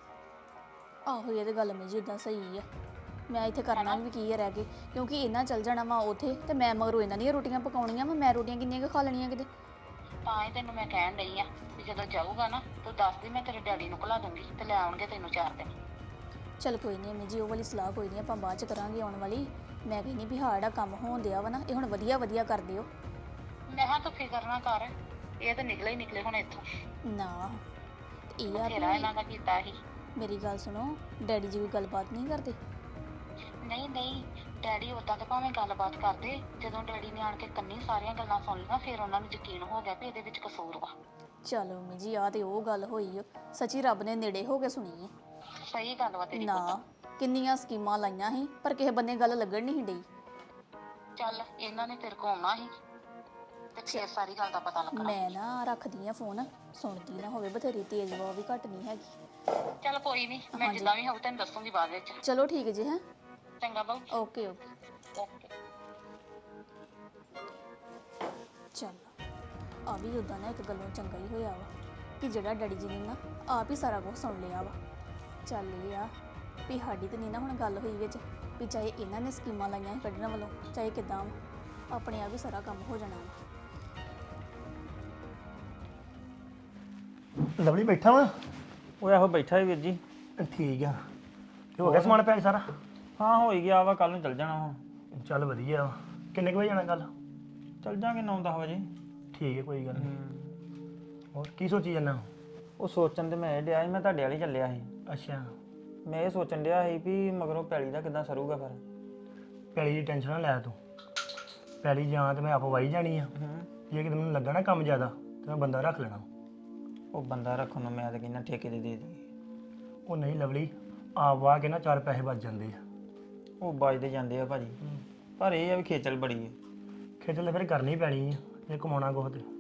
[SPEAKER 6] ਆਹੋ, ਇਹ ਤੇ ਗੱਲ ਮੇਰੀ ਉਦਾਂ ਸਹੀ ਆ, ਮੈਂ ਇੱਥੇ ਕਰਨਾ ਵੀ ਕੀ ਆ ਰਹਿ ਕੇ, ਕਿਉਂਕਿ ਇਹਨਾਂ ਚੱਲ ਜਾਣਾ ਵਾ ਉੱਥੇ, ਤੇ ਮੈਂ ਮਗਰੋਂ ਇਹਨਾਂ ਦੀਆਂ ਰੋਟੀਆਂ ਪਕਾਉਣੀਆਂ ਵਾ, ਮੈਂ ਰੋਟੀਆਂ ਕਿੰਨੀਆਂ ਕੁ ਖਾ ਲੈਣੀਆਂ ਕਿਤੇ।
[SPEAKER 4] ਤਾਂ ਹੀ ਤੈਨੂੰ ਮੈਂ ਕਹਿਣ ਡਈ ਆ ਵੀ ਜਦੋਂ ਜਾਊਗਾ ਨਾ, ਤੂੰ ਦੱਸਦੀ, ਮੈਂ ਤੇਰੇ ਡੈਡੀ ਨੂੰ ਘਲਾ ਦੂੰਗੀ, ਤੇ ਲੈ ਆਉਣਗੇ ਤੈਨੂੰ ਚਾਰ ਦਿਨ।
[SPEAKER 6] ਚੱਲ ਕੋਈ ਨਹੀਂ ਅਮੀ ਜੀ, ਉਹ ਵਾਲੀ ਸਲਾਹ ਕੋਈ ਨਹੀਂ, ਆਪਾਂ ਬਾਅਦ ਚ ਕਰਾਂਗੇ ਆਉਣ ਵਾਲੀ। ਮੈਂ ਕਹਿੰਦੀ ਵੀ ਹਾਂ ਜਿਹੜਾ ਕੰਮ ਹੋਣ ਦਿਆ ਵਾ ਨਾ, ਇਹ ਹੁਣ ਵਧੀਆ ਵਧੀਆ ਕਰ ਦਿਓ।
[SPEAKER 4] ਮੈਂ ਕਿਹਾ ਤੂੰ ਫਿਕਰ ਨਾ ਕਰ, ਇਹ ਤਾਂ ਨਿਕਲੇ ਹੀ ਨਿਕਲੇ ਹੁਣ ਇੱਥੋਂ।
[SPEAKER 6] ਨਾ ਤੇ ਇਹ ਆ
[SPEAKER 4] ਬਥੇਰਾ ਇਹਨਾਂ ਦਾ
[SPEAKER 6] ਵੀ
[SPEAKER 4] ਕੀਤਾ ਸੀ।
[SPEAKER 6] ਮੇਰੀ ਗੱਲ ਸੁਣੋ, ਡੈਡੀ ਜੀ ਕੋਈ ਗੱਲਬਾਤ ਨਹੀਂ ਕਰਦੇ?
[SPEAKER 4] ਨਹੀਂ ਨਹੀਂ, ਡੈਡੀ ਉਦਾਂ ਤਾਂ ਭਾਵੇਂ ਗੱਲਬਾਤ ਕਰਦੇ, ਜਦੋਂ ਡੈਡੀ ਨੇ ਆਣ ਕੇ ਕੰਨੀ ਸਾਰੀਆਂ ਗੱਲਾਂ ਸੁਣ ਲਈਆਂ, ਫਿਰ ਉਹਨਾਂ ਨੂੰ ਯਕੀਨ ਹੋ ਗਿਆ ਵੀ ਇਹਦੇ ਵਿੱਚ ਕਸੂਰ ਵਾ।
[SPEAKER 6] ਚਲੋ ਅਮੀ ਜੀ, ਆ ਤੇ ਉਹ ਗੱਲ ਹੋਈ ਓ, ਸੱਚੀ ਰੱਬ ਨੇ ਨੇੜੇ ਹੋ ਕੇ ਸੁਣੀ ਹੈ।
[SPEAKER 4] ਸਹੀ ਗੱਲ ਵਾ ਤੇਰੀ
[SPEAKER 6] ਨਾ
[SPEAKER 4] ਪੁੱਤ।
[SPEAKER 6] ਕਿੰਨੀਆਂ ਸਕੀਮਾਂ ਲਾਈਆਂ ਸੀ, ਪਰ ਕਿਸੇ ਬੰਨੇ ਗੱਲ ਲੱਗਣ ਨਹੀਂ ਡਈ।
[SPEAKER 4] ਚੱਲ ਇਹਨਾਂ ਨੇ ਤੇਰੇ ਕੋਲ ਆਉਣਾ ਸੀ, ਤੇ ਫੇਰ ਸਾਰੀ ਗੱਲ ਦਾ ਪਤਾ ਲੱਗਣਾ।
[SPEAKER 6] ਮੈਂ ਨਾ ਰੱਖਦੀ ਆ ਫੋਨ, ਸੁਣਦੀ ਨਾ ਹੋਵੇ ਬਥੇਰੀ ਤੇਜ਼ ਵਾ, ਉਹ ਵੀ ਘੱਟ ਨਹੀਂ ਹੈਗੀ।
[SPEAKER 4] ਚੱਲ ਕੋਈ ਨਹੀਂ, ਮੈਂ ਜਿੱਦਾਂ ਵੀ ਹੋਊ ਤੈਨੂੰ ਦੱਸੂਗੀ ਬਾਅਦ ਵਿੱਚ।
[SPEAKER 6] ਚਲੋ ਠੀਕ ਜੀ। ਹੈ
[SPEAKER 4] ਚੰਗਾ ਬਾਊ।
[SPEAKER 6] Okay okay.
[SPEAKER 4] ਓਕੇ।
[SPEAKER 6] ਚੱਲ ਆ ਵੀ ਉਦਾਂ ਨਾ ਇੱਕ ਗੱਲੋਂ ਚੰਗਾ ਹੀ ਹੋਇਆ ਵਾ ਕਿ ਜਿਹੜਾ ਡੈਡੀ ਜੀ ਨੇ ਨਾ ਆਪ ਹੀ ਸਾਰਾ ਕੁਝ ਸੁਣ ਲਿਆ ਵਾ। ਚੱਲ ਇਹ ਆ ਵੀ ਸਾਡੀ ਤੇ ਨਹੀਂ ਨਾ ਹੁਣ ਗੱਲ ਹੋਈ ਵਿੱਚ ਵੀ ਚਾਹੇ ਇਹਨਾਂ ਨੇ ਸਕੀਮਾਂ ਲਾਈਆਂ ਸੀ ਕੱਢਣ ਵੱਲੋਂ, ਚਾਹੇ ਕਿੱਦਾਂ ਵਾ, ਆਪਣੇ ਆਪ ਹੀ ਸਾਰਾ ਕੰਮ ਹੋ ਜਾਣਾ ਵਾ।
[SPEAKER 7] ਲਵਲੀ ਬੈਠਾ ਵਾ।
[SPEAKER 8] ਉਹ ਇਹੋ ਬੈਠਾ ਹੀ ਵੀਰ ਜੀ।
[SPEAKER 7] ਠੀਕ ਆ। ਤੇ ਹੋ ਗਿਆ ਸਮਾਨ ਪੈਕ ਸਾਰਾ?
[SPEAKER 8] ਹਾਂ ਹੋ ਹੀ ਗਿਆ ਵਾ, ਕੱਲ ਨੂੰ ਚੱਲ ਜਾਣਾ ਵਾ।
[SPEAKER 7] ਚੱਲ ਵਧੀਆ ਵਾ। ਕਿੰਨੇ ਕੁ ਵਜੇ ਜਾਣਾ ਕੱਲ?
[SPEAKER 8] ਚੱਲ ਜਾਾਂਗੇ ਨੌ ਦਸ ਵਜੇ।
[SPEAKER 7] ਠੀਕ ਹੈ, ਕੋਈ ਗੱਲ ਨਹੀਂ। ਹੋਰ ਕੀ ਸੋਚੀ ਜਾਂਦਾ?
[SPEAKER 8] ਉਹ ਸੋਚਣ ਤੇ ਮੈਂ ਇਹ ਡਿਆ ਸੀ, ਮੈਂ ਤੁਹਾਡੇ ਵਾਲੀ ਚੱਲਿਆ ਸੀ।
[SPEAKER 7] ਅੱਛਾ।
[SPEAKER 8] ਮੈਂ ਇਹ ਸੋਚਣ ਡਿਆ ਸੀ ਵੀ ਮਗਰੋਂ ਪੈਲੀ ਦਾ ਕਿੱਦਾਂ ਸਰੂਗਾ ਫਿਰ।
[SPEAKER 7] ਪੈਲੀ ਦੀ ਟੈਨਸ਼ਨ ਨਾ ਲੈ ਤੂੰ। ਪੈਲੀ ਜਾਂ ਤੇ ਮੈਂ ਆਪ ਵਾਈ ਜਾਣੀ ਆ। ਜੇ ਕਿਤੇ ਮੈਨੂੰ ਲੱਗਾ ਨਾ ਕੰਮ ਜ਼ਿਆਦਾ ਤੇ ਮੈਂ ਬੰਦਾ ਰੱਖ ਲੈਣਾ।
[SPEAKER 8] ਉਹ ਬੰਦਾ ਰੱਖਣ ਨੂੰ ਮੈਂ ਤਾਂ ਕਹਿੰਦਾ ਠੇਕੇ ਦੇ ਦੇ ਦੇ।
[SPEAKER 7] ਉਹ ਨਹੀਂ ਲਵਲੀ, ਆਪ ਵਾਹ ਕੇ ਨਾ ਚਾਰ ਪੈਸੇ ਬਚ ਜਾਂਦੇ ਆ।
[SPEAKER 8] ਉਹ ਬਚਦੇ ਜਾਂਦੇ ਆ ਭਾਜੀ, ਪਰ ਇਹ ਆ ਵੀ ਖੇਚਲ ਬੜੀ ਹੈ।
[SPEAKER 7] ਖੇਚਲ ਤਾਂ ਫਿਰ ਕਰਨੀ ਪੈਣੀ ਆ ਜੇ ਕਮਾਉਣਾ ਕੁਛ ਤੇ।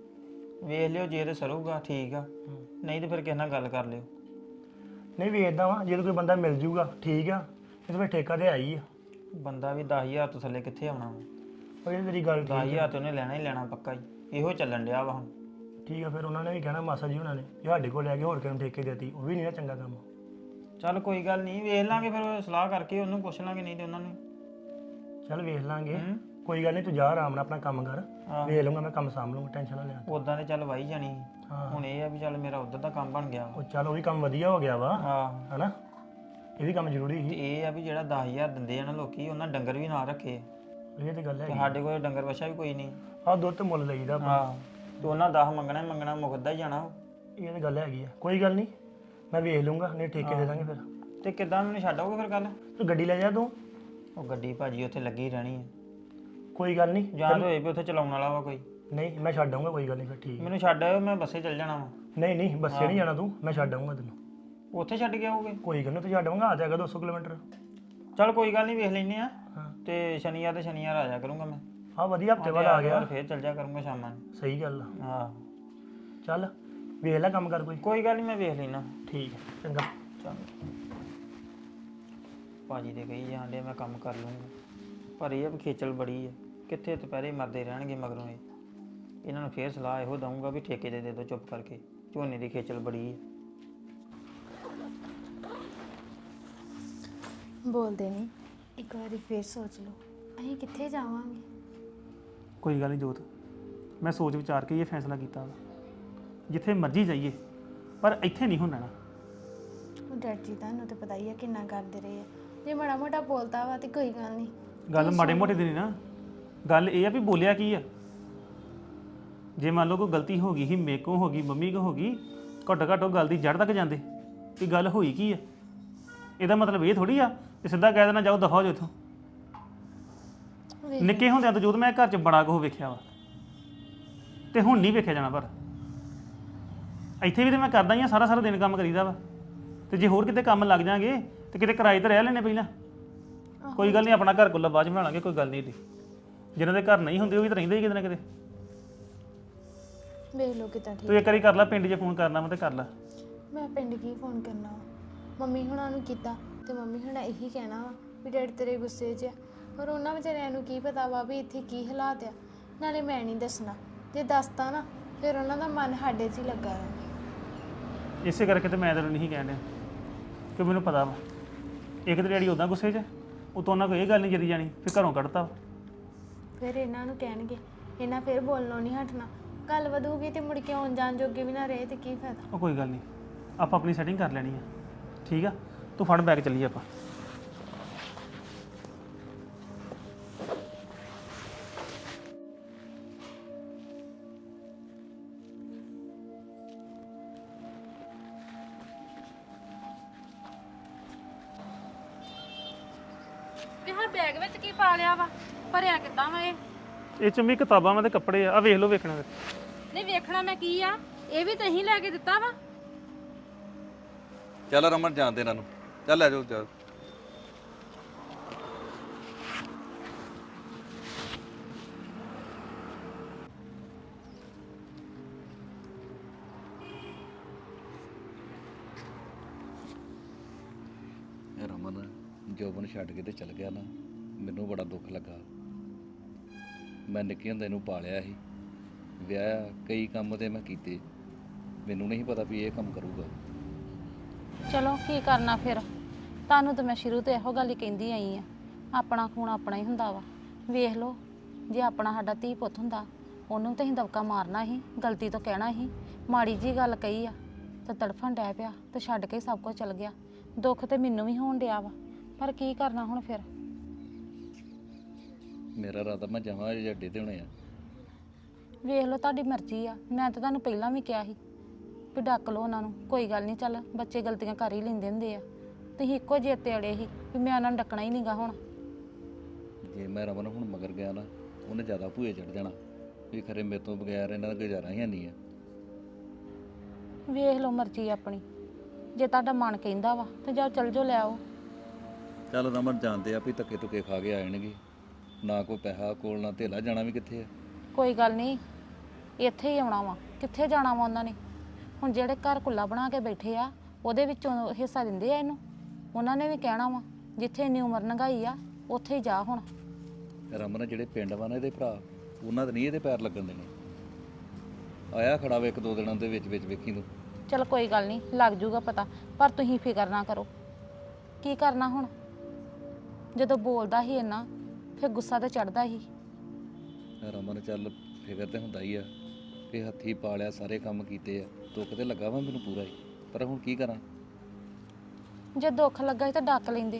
[SPEAKER 8] ਵੇਖ ਲਿਓ, ਜੇ ਤੇ ਸਰੂਗਾ ਠੀਕ ਆ, ਨਹੀਂ ਤੇ ਫਿਰ ਕਿਸੇ ਨਾਲ ਗੱਲ ਕਰ ਲਿਓ।
[SPEAKER 7] ਨਹੀਂ ਵੇਚਦਾ ਵਾ, ਜੇ ਕੋਈ ਬੰਦਾ ਮਿਲ ਜੂਗਾ ਠੀਕ ਆ, ਇਹ ਤਾਂ ਫਿਰ ਠੇਕਾ ਤੇ ਆਈ ਆ।
[SPEAKER 8] ਬੰਦਾ ਵੀ ਦਸ ਹਜ਼ਾਰ ਤੋਂ ਥੱਲੇ ਕਿੱਥੇ ਆਉਣਾ ਵਾ।
[SPEAKER 7] ਉਹ ਜਿਹੜੀ ਤੇਰੀ ਗੱਲ
[SPEAKER 8] ਦਸ
[SPEAKER 7] ਠੀਕ
[SPEAKER 8] ਹਜ਼ਾਰ ਤੇ ਉਹਨੇ ਲੈਣਾ ਹੀ ਲੈਣਾ ਪੱਕਾ ਹੀ। ਇਹੋ ਚੱਲਣ ਡਿਆ ਵਾ ਹੁਣ।
[SPEAKER 7] ਠੀਕ ਆ। ਫਿਰ ਉਹਨਾਂ ਨੇ ਵੀ ਕਹਿਣਾ ਮਾਸਾ ਜੀ ਉਹਨਾਂ ਨੇ ਇਹ ਸਾਡੇ ਕੋਲ ਲੈ ਕੇ ਹੋਰ ਕਿਹਨੂੰ ਠੇਕੇ ਦੇਤੀ, ਉਹ ਵੀ ਨਹੀਂ ਨਾ ਚੰਗਾ ਕੰਮ।
[SPEAKER 8] ਚੱਲ ਕੋਈ ਗੱਲ ਨਹੀਂ, ਵੇਖ ਲਾਂਗੇ ਫਿਰ, ਸਲਾਹ ਕਰਕੇ ਉਹਨੂੰ ਪੁੱਛ ਲਾਂਗੇ, ਨਹੀਂ ਤੇ ਉਹਨਾਂ ਨੂੰ।
[SPEAKER 7] ਚੱਲ ਵੇਖ ਲਾਂਗੇ, ਕੋਈ ਗੱਲ ਨਹੀਂ। ਤੂੰ ਜਾ ਆਰਾਮ ਨਾਲ ਆਪਣਾ ਕੰਮ ਕਰ,
[SPEAKER 8] ਹਾਂ।
[SPEAKER 7] ਵੇਖ ਲਊਂਗਾ ਮੈਂ, ਕੰਮ ਸਾਂਭ ਲਊਂਗਾ, ਟੈਨਸ਼ਨ ਨਾ ਲੈ।
[SPEAKER 8] ਉਦਾਂ ਤੇ ਚੱਲ ਵਾਹੀ ਜਾਣੀ ਸੀ।
[SPEAKER 7] ਹਾਂ।
[SPEAKER 8] ਹੁਣ ਇਹ ਆ ਵੀ ਚੱਲ ਮੇਰਾ ਉਧਰ ਦਾ ਕੰਮ ਬਣ ਗਿਆ ਵਾ।
[SPEAKER 7] ਉਹ ਚੱਲ ਉਹ ਵੀ ਕੰਮ ਵਧੀਆ ਹੋ ਗਿਆ ਵਾ,
[SPEAKER 8] ਹਾਂ।
[SPEAKER 7] ਹਨਾ। ਇਹ ਵੀ ਕੰਮ ਜ਼ਰੂਰੀ
[SPEAKER 8] ਤੇ
[SPEAKER 7] ਸੀ।
[SPEAKER 8] ਇਹ ਆ ਵੀ ਜਿਹੜਾ ਦਸ ਹਜ਼ਾਰ ਦਿੰਦੇ ਆ ਨਾ ਲੋਕੀ, ਉਹਨਾਂ ਡੰਗਰ ਵੀ ਨਾਲ ਰੱਖੇ ਆ।
[SPEAKER 7] ਇਹ ਤੇ ਗੱਲ
[SPEAKER 8] ਤੇ
[SPEAKER 7] ਹੈ।
[SPEAKER 8] ਸਾਡੇ ਕੋਲ ਡੰਗਰ ਵਛਾ ਵੀ ਕੋਈ ਨਹੀਂ।
[SPEAKER 7] ਆਹ ਦੁੱਧ ਤੇ ਮੁੱਲ ਲਈਦਾ ਆਪਾਂ।
[SPEAKER 8] ਹਾਂ, ਤੇ ਉਹਨਾਂ ਦਸ ਮੰਗਣਾ ਹੀ ਮੰਗਣਾ, ਮੁਕਦਾ ਹੀ ਜਾਣਾ।
[SPEAKER 7] ਇਹ ਤੇ ਗੱਲ ਹੈਗੀ ਆ। ਕੋਈ ਗੱਲ ਨਹੀਂ, ਮੈਂ ਵੇਖ ਲਊਂਗਾ, ਨਹੀਂ ਠੇਕੇ ਦੇ ਦਾਂਗੇ ਫਿਰ।
[SPEAKER 8] ਤੇ ਕਿੱਦਾਂ ਮੈਨੂੰ ਛੱਡੋਗੇ ਫਿਰ ਕੱਲ?
[SPEAKER 7] ਤੂੰ ਗੱਡੀ ਲੈ ਜਾ ਤੂੰ।
[SPEAKER 8] ਉਹ ਗੱਡੀ ਭਾਜੀ ਉੱਥੇ ਲੱਗੀ ਰਹਿਣੀ ਹੈ।
[SPEAKER 7] ਕੋਈ ਗੱਲ ਨਹੀਂ,
[SPEAKER 8] ਜਾਂ ਤਾਂ ਹੋਏ ਵੀ ਉੱਥੇ ਚਲਾਉਣ ਵਾਲਾ ਵਾ ਕੋਈ।
[SPEAKER 7] ਨਹੀਂ ਮੈਂ ਛੱਡ ਆਊਂਗਾ, ਕੋਈ ਗੱਲ ਨਹੀਂ ਫਿਰ। ਠੀਕ।
[SPEAKER 8] ਮੈਨੂੰ ਛੱਡ ਆਇਓ, ਮੈਂ ਬੱਸੇ ਚੱਲ ਜਾਣਾ ਵਾ।
[SPEAKER 7] ਨਹੀਂ ਨਹੀਂ, ਬੱਸੇ ਨਹੀਂ ਜਾਣਾ ਤੂੰ, ਮੈਂ ਛੱਡ ਆਊਂਗਾ ਤੈਨੂੰ।
[SPEAKER 8] ਉੱਥੇ ਛੱਡ ਕੇ ਆਓਗੇ?
[SPEAKER 7] ਕੋਈ ਗੱਲ ਨਹੀਂ, ਤੂੰ ਛੱਡ ਆਊਂਗਾ, ਆ ਜਾਏਗਾ ਦੋ ਸੌ ਕਿਲੋਮੀਟਰ।
[SPEAKER 8] ਚੱਲ ਕੋਈ ਗੱਲ ਨਹੀਂ, ਵੇਖ ਲੈਨੇ ਆ।
[SPEAKER 7] ਹਾਂ।
[SPEAKER 8] ਤੇ ਸ਼ਨੀਵਾਰ ਤੇ ਸ਼ਨੀਵਾਰ ਆ ਜਾ ਕਰੂੰਗਾ ਮੈਂ।
[SPEAKER 7] ਹਾਂ ਵਧੀਆ, ਹਫਤੇ ਬਾਅਦ ਆ ਗਿਆ।
[SPEAKER 8] ਫਿਰ ਚੱਲ ਜਾ ਕਰੂੰਗਾ ਸ਼ਾਮਾਂ ਨੂੰ।
[SPEAKER 7] ਸਹੀ ਗੱਲ ਆ।
[SPEAKER 8] ਹਾਂ
[SPEAKER 7] ਚੱਲ ਵੇਖ ਲੈ ਕੰਮ ਕਰ ਕੋਈ।
[SPEAKER 8] ਕੋਈ ਗੱਲ ਨਹੀਂ, ਮੈਂ ਵੇਖ ਲੈਣਾ।
[SPEAKER 7] ਠੀਕ ਹੈ, ਚੰਗਾ।
[SPEAKER 8] ਚੰਗਾ। ਭਾਜੀ ਦੇ ਕਹੀ ਜਾਂਦੇ ਮੈਂ ਕੰਮ ਕਰ ਲੂੰਗਾ, ਪਰ ਇਹ ਆ ਵੀ ਖੇਚਲ ਬੜੀ ਹੈ। ਕਿੱਥੇ ਦੁਪਹਿਰੇ ਮਰਦੇ ਰਹਿਣਗੇ ਮਗਰੋਂ। ਇਹ ਇਹਨਾਂ ਨੂੰ ਫੇਰ ਸਲਾਹ ਇਹੋ ਦਊਂਗਾ ਵੀ ਠੇਕੇ ਦੇ ਦੇ ਦਿਓ ਚੁੱਪ ਕਰਕੇ, ਝੋਨੇ ਦੀ ਖੇਚਲ ਬੜੀ ਹੈ।
[SPEAKER 2] ਬੋਲਦੇ ਨਹੀਂ, ਇੱਕ ਵਾਰੀ ਫੇਰ ਸੋਚ ਲਓ, ਅਸੀਂ ਕਿੱਥੇ ਜਾਵਾਂਗੇ।
[SPEAKER 1] ਕੋਈ ਗੱਲ ਨਹੀਂ ਜੋਤ, ਮੈਂ ਸੋਚ ਵਿਚਾਰ ਕੇ ਇਹ ਫੈਸਲਾ ਕੀਤਾ ਵਾ, ਜਿੱਥੇ ਮਰਜ਼ੀ ਜਾਈਏ ਪਰ ਇੱਥੇ ਨਹੀਂ ਹੁੰਦਾ ਨਾ।
[SPEAKER 2] ਉਹ ਡੈਡ ਜੀ ਤੁਹਾਨੂੰ ਤਾਂ ਪਤਾ ਹੀ ਆ ਕਿੰਨਾ ਕਰਦੇ ਰਹੇ ਆ। ਜੇ ਮਾੜਾ ਮੋਟਾ ਬੋਲਤਾ ਵਾ ਤੇ ਕੋਈ ਗੱਲ ਨਹੀਂ।
[SPEAKER 1] ਗੱਲ ਮਾੜੇ ਮੋਟੇ ਦੀ ਨਹੀਂ ਨਾ, ਗੱਲ ਇਹ ਆ ਵੀ ਬੋਲਿਆ ਕੀ ਆ। ਜੇ ਮੰਨ ਲਓ ਕੋਈ ਗਲਤੀ ਹੋ ਗਈ ਸੀ, ਮੇਰੇ ਕੋਲ ਹੋ ਗਈ, ਮੰਮੀ ਕੋਲ ਹੋ ਗਈ, ਘੱਟੋ ਘੱਟ ਉਹ ਗੱਲ ਦੀ ਜੜ ਤੱਕ ਜਾਂਦੇ ਵੀ ਗੱਲ ਹੋਈ ਕੀ ਆ। ਇਹਦਾ ਮਤਲਬ ਇਹ ਥੋੜੀ ਆ ਕਿ ਸਿੱਧਾ ਕਹਿ ਦੇਣਾ ਜਾਓ ਦਫਾ ਹੋ ਜਾਓ ਇੱਥੋਂ। ਨਿੱਕੇ ਹੁੰਦਿਆਂ ਤੋਂ ਜਦੋਂ ਮੈਂ ਘਰ 'ਚ ਬੜਾ ਕੁਝ ਵੇਖਿਆ ਵਾ, ਤੇ ਹੁਣ ਨਹੀਂ ਵੇਖਿਆ ਜਾਣਾ। ਪਰ ਇੱਥੇ ਵੀ ਤੇ ਮੈਂ ਕਰਦਾ ਹੀ ਆ, ਸਾਰਾ ਸਾਰਾ ਦਿਨ ਕੰਮ ਕਰੀਦਾ ਵਾ। ਤੇ ਜੇ ਹੋਰ ਕਿਤੇ ਕੰਮ ਲੱਗ ਜਾਾਂਗੇ ਤੇ ਕਿਤੇ ਕਿਰਾਏ ਤੇ ਰਹਿ ਲੈਣੇ ਪਹਿਲਾਂ। ਕੋਈ ਗੱਲ ਨਹੀਂ, ਆਪਣਾ ਘਰ ਕੋਲ ਬਾਅਦ 'ਚ ਬਣਾ ਲਾਂਗੇ, ਕੋਈ ਗੱਲ ਨਹੀਂ ਏਡੀ। ਜਿਹਨਾਂ ਦੇ ਘਰ ਨਹੀਂ ਹੁੰਦੇ ਉਹ ਵੀ ਤਾਂ ਰਹਿੰਦੇ ਹੀ ਕਿਤੇ ਨਾ ਕਿਤੇ।
[SPEAKER 2] ਵੇਖ ਲਓ ਕਿਤਾ ਠੀਕ।
[SPEAKER 1] ਤੂੰ ਇੱਕ ਵਾਰੀ ਕਰ ਲੈ, ਪਿੰਡ 'ਚ ਫੋਨ ਕਰਨਾ ਵਾ ਤੇ ਕਰ ਲੈ।
[SPEAKER 2] ਮੈਂ ਪਿੰਡ ਕੀ ਫੋਨ ਕਰਨਾ ਵਾ, ਮੰਮੀ ਹੁਣਾਂ ਨੂੰ ਕੀਤਾ ਤੇ ਮੰਮੀ ਹੁਣਾਂ ਇਹੀ ਕਹਿਣਾ ਵਾ ਵੀ ਡੈਡੀ ਤੇਰੇ ਗੁੱਸੇ 'ਚ ਆ। ਪਰ ਉਹਨਾਂ ਵਿਚਾਰਿਆਂ ਨੂੰ ਕੀ ਪਤਾ ਵਾ ਵੀ ਇੱਥੇ ਕੀ ਹਾਲਾਤ ਆ। ਨਾਲੇ ਮੈਂ ਨਹੀਂ ਦੱਸਣਾ, ਜੇ ਦੱਸਤਾ ਨਾ ਫਿਰ ਉਹਨਾਂ ਦਾ ਮਨ ਸਾਡੇ 'ਚ ਹੀ ਲੱਗਾ ਰਹਿਣਾ।
[SPEAKER 1] ਇਸੇ ਕਰਕੇ ਤੇ ਮੈਂ ਤੈਨੂੰ ਨਹੀਂ ਕਹਿਣ ਡਿਆ ਕਿ ਮੈਨੂੰ ਪਤਾ ਵਾ ਇੱਕ ਤੇ ਡੈਡੀ ਉੱਦਾਂ ਗੁੱਸੇ 'ਚ, ਉਤੋਂ ਉਹਨਾਂ ਕੋਈ ਇਹ ਗੱਲ ਨਹੀਂ ਜਰੀ ਜਾਣੀ ਫਿਰ ਘਰੋਂ ਕੱਢਤਾ ਵਾ।
[SPEAKER 2] ਫਿਰ ਇਹਨਾਂ ਨੂੰ ਕਹਿਣਗੇ, ਇਹਨਾਂ ਫਿਰ ਬੋਲਣੋਂ ਨਹੀਂ ਹਟਣਾ। ਗੱਲ ਵਧੂਗੀ ਤੇ ਮੁੜ ਕੇ ਆਉਣ ਜਾਣ ਜੋਗੇ ਵੀ ਨਾ ਰਹੇ ਤੇ ਕੀ ਫਾਇਦਾ।
[SPEAKER 1] ਉਹ ਕੋਈ ਗੱਲ ਨਹੀਂ, ਆਪਾਂ ਆਪਣੀ ਸੈਟਿੰਗ ਕਰ ਲੈਣੀ ਆ। ਠੀਕ ਆ, ਤੂੰ ਫੜ ਬੈਗ ਚੱਲੀਏ ਆਪਾਂ।
[SPEAKER 4] ਵੀ ਹਾਂ ਬੈਗ ਵਿੱਚ ਕੀ ਪਾ ਲਿਆ ਵਾ? ਭਰਿਆ ਕਿੱਦਾਂ ਵਾ ਇਹ?
[SPEAKER 1] ਇਹ 'ਚ ਵੀ ਕਿਤਾਬਾਂ ਵਾ ਤੇ ਕੱਪੜੇ ਆ। ਆ ਵੇਖ ਲਓ, ਵੇਖਣਾ ਤੇ।
[SPEAKER 4] ਨਹੀਂ ਵੇਖਣਾ ਮੈਂ ਕੀ ਆ, ਇਹ ਵੀ ਤੁਸੀਂ ਲੈ ਕੇ ਦਿੱਤਾ ਵਾ।
[SPEAKER 3] ਚੱਲ ਰਮਨ ਜਾਣਦੇ ਇਹਨਾਂ ਨੂੰ, ਚੱਲ ਲੈ ਜਾਓ ਜਾ। ਜੋਬ ਨੂੰ ਛੱਡ ਕੇ ਤੇ ਚਲ ਗਿਆ ਨਾ, ਮੈਨੂੰ ਬੜਾ ਦੁੱਖ ਲੱਗਾ। ਮੈਂ ਨਿੱਕੇ ਹੁੰਦੇ ਨੂੰ ਪਾਲਿਆ ਸੀ, ਵਿਆਹਿਆ, ਕਈ ਕੰਮ ਤੇ ਮੈਂ ਕੀਤੇ, ਮੈਨੂੰ ਨਹੀਂ ਪਤਾ ਵੀ ਇਹ ਕੰਮ ਕਰੂਗਾ।
[SPEAKER 4] ਚਲੋ ਕੀ ਕਰਨਾ ਫਿਰ, ਤੁਹਾਨੂੰ ਤਾਂ ਮੈਂ ਸ਼ੁਰੂ ਤੋਂ ਇਹੋ ਗੱਲ ਹੀ ਕਹਿੰਦੀ ਆਈ ਆ, ਆਪਣਾ ਖੂਨ ਆਪਣਾ ਹੀ ਹੁੰਦਾ ਵਾ। ਵੇਖ ਲਓ, ਜੇ ਆਪਣਾ ਸਾਡਾ ਧੀ ਪੁੱਤ ਹੁੰਦਾ ਉਹਨੂੰ ਤਾਂ ਅਸੀਂ ਦਬਕਾ ਮਾਰਨਾ ਸੀ, ਗਲਤੀ ਤੋਂ ਕਹਿਣਾ ਸੀ, ਮਾੜੀ ਜੀ ਗੱਲ ਕਹੀ ਆ ਤੇ ਤੜਫਣ ਡੈ ਪਿਆ ਤੇ ਛੱਡ ਕੇ ਸਭ ਕੁਝ ਚਲ ਗਿਆ। ਦੁੱਖ ਤੇ ਮੈਨੂੰ ਵੀ ਹੋਣ ਡਿਆ ਵਾ, ਪਰ ਕੀ ਕਰਨਾ ਹੁਣ ਫਿਰ।
[SPEAKER 3] ਮੇਰਾ ਰਾਤਾ ਮੈਂ ਜਾਵਾਂ ਜੇ ਅੱਡੇ ਤੇ ਹੋਣੇ ਆ।
[SPEAKER 4] ਵੇਖ ਲਓ ਤੁਹਾਡੀ ਮਰਜ਼ੀ ਆ, ਮੈਂ ਤਾਂ ਤੁਹਾਨੂੰ ਪਹਿਲਾਂ ਵੀ ਕਿਹਾ ਸੀ ਵੀ ਡੱਕ ਲਓ ਉਹਨਾਂ ਨੂੰ, ਕੋਈ ਗੱਲ ਨਹੀਂ, ਚੱਲ ਬੱਚੇ ਗਲਤੀਆਂ ਕਰ ਹੀ ਲੈਂਦੇ ਹੁੰਦੇ ਆ। ਤੁਸੀਂ ਇੱਕੋ ਜਿਹੇ ਤੇ ਅੜੇ ਸੀ ਵੀ ਮੈਂ ਉਹਨਾਂ ਨੂੰ ਡੱਕਣਾ ਹੀ ਨਹੀਂਗਾ ਹੁਣ।
[SPEAKER 3] ਜੇ ਮੈਂ ਰਮਨ ਹੁਣ ਮਗਰ ਗਿਆ ਨਾ, ਉਹਨੇ ਜ਼ਿਆਦਾ ਭੂਏ ਚੜ ਜਾਣਾ ਵੀ ਖਰੇ ਮੇਰੇ ਤੋਂ ਬਗੈਰ ਇਹਨਾਂ ਦਾ ਗੁਜ਼ਾਰਾ ਹੀ ਨਹੀਂ ਆ।
[SPEAKER 4] ਵੇਖ ਲਓ ਮਰਜ਼ੀ ਆਪਣੀ, ਜੇ ਤੁਹਾਡਾ ਮਨ ਕਹਿੰਦਾ ਵਾ ਤੇ ਜਾਓ ਚੱਲ ਜਾਓ, ਲੈ ਆਓ।
[SPEAKER 3] ਚੱਲ ਰਮਨ ਜਾਣਦੇ ਆ ਵੀ ਧੱਕੇ ਧੁੱਕੇ ਖਾ ਕੇ ਆ ਜਾਣਗੇ, ਨਾ ਕੋਈ ਪੈਸਾ ਕੋਲ ਨਾ ਧੇਲਾ, ਜਾਣਾ ਵੀ ਕਿੱਥੇ ਆ।
[SPEAKER 4] ਕੋਈ ਗੱਲ ਨਹੀਂ, ਇੱਥੇ ਹੀ ਆਉਣਾ ਵਾ, ਕਿੱਥੇ ਜਾਣਾ ਵਾ ਉਹਨਾਂ ਨੇ। ਹੁਣ ਜਿਹੜੇ ਘਰ ਕੁੱਲਾ ਬਣਾ ਕੇ ਬੈਠੇ ਆ ਉਹਦੇ ਵਿੱਚੋਂ ਹਿੱਸਾ ਦਿੰਦੇ ਆ ਇਹਨੂੰ, ਉਹਨਾਂ ਨੇ ਵੀ ਕਹਿਣਾ ਵਾ ਜਿੱਥੇ ਇੰਨੀ ਉਮਰ ਲੰਘਾਈ ਆ ਉੱਥੇ ਹੀ ਜਾ ਹੁਣ।
[SPEAKER 3] ਰਮਨ ਜਿਹੜੇ ਪਿੰਡ ਵਾ ਨਾ ਇਹਦੇ ਭਰਾ, ਉਹਨਾਂ ਦੇ ਨਹੀਂ ਇਹਦੇ ਪੈਰ ਲੱਗਣ ਦੇਣੇ। ਆਇਆ ਖੜਾ ਵੇ ਇੱਕ ਦੋ ਦਿਨਾਂ ਦੇ ਵਿੱਚ ਵਿੱਚ, ਵੇਖੀ ਤੂੰ।
[SPEAKER 4] ਚਲ ਕੋਈ ਗੱਲ ਨਹੀਂ, ਲੱਗ ਜੂਗਾ ਪਤਾ, ਪਰ ਤੁਸੀਂ ਫਿਕਰ ਨਾ ਕਰੋ। ਕੀ ਕਰਨਾ ਹੁਣ, ਜਦੋਂ ਬੋਲਦਾ ਹੀ ਇੰਨਾ ਫਿਰ ਗੁੱਸਾ ਤਾਂ ਚੜਦਾ ਹੀ।
[SPEAKER 3] ਰਮਨ ਚੱਲ ਫਿਕਰ ਤੇ ਹੁੰਦਾ ਹੀ ਆ ਵੀ ਹੱਥੀ ਪਾਲਿਆ, ਸਾਰੇ ਕੰਮ ਕੀਤੇ ਆ, ਦੁੱਖ ਤੇ ਲੱਗਾ ਵਾ ਮੈਨੂੰ ਪੂਰਾ ਹੀ, ਪਰ ਹੁਣ ਕੀ ਕਰਾਂ।
[SPEAKER 4] ਜੇ ਦੁੱਖ ਲੱਗਾ ਸੀ ਤਾਂ ਡੱਕ ਲੈਂਦੇ।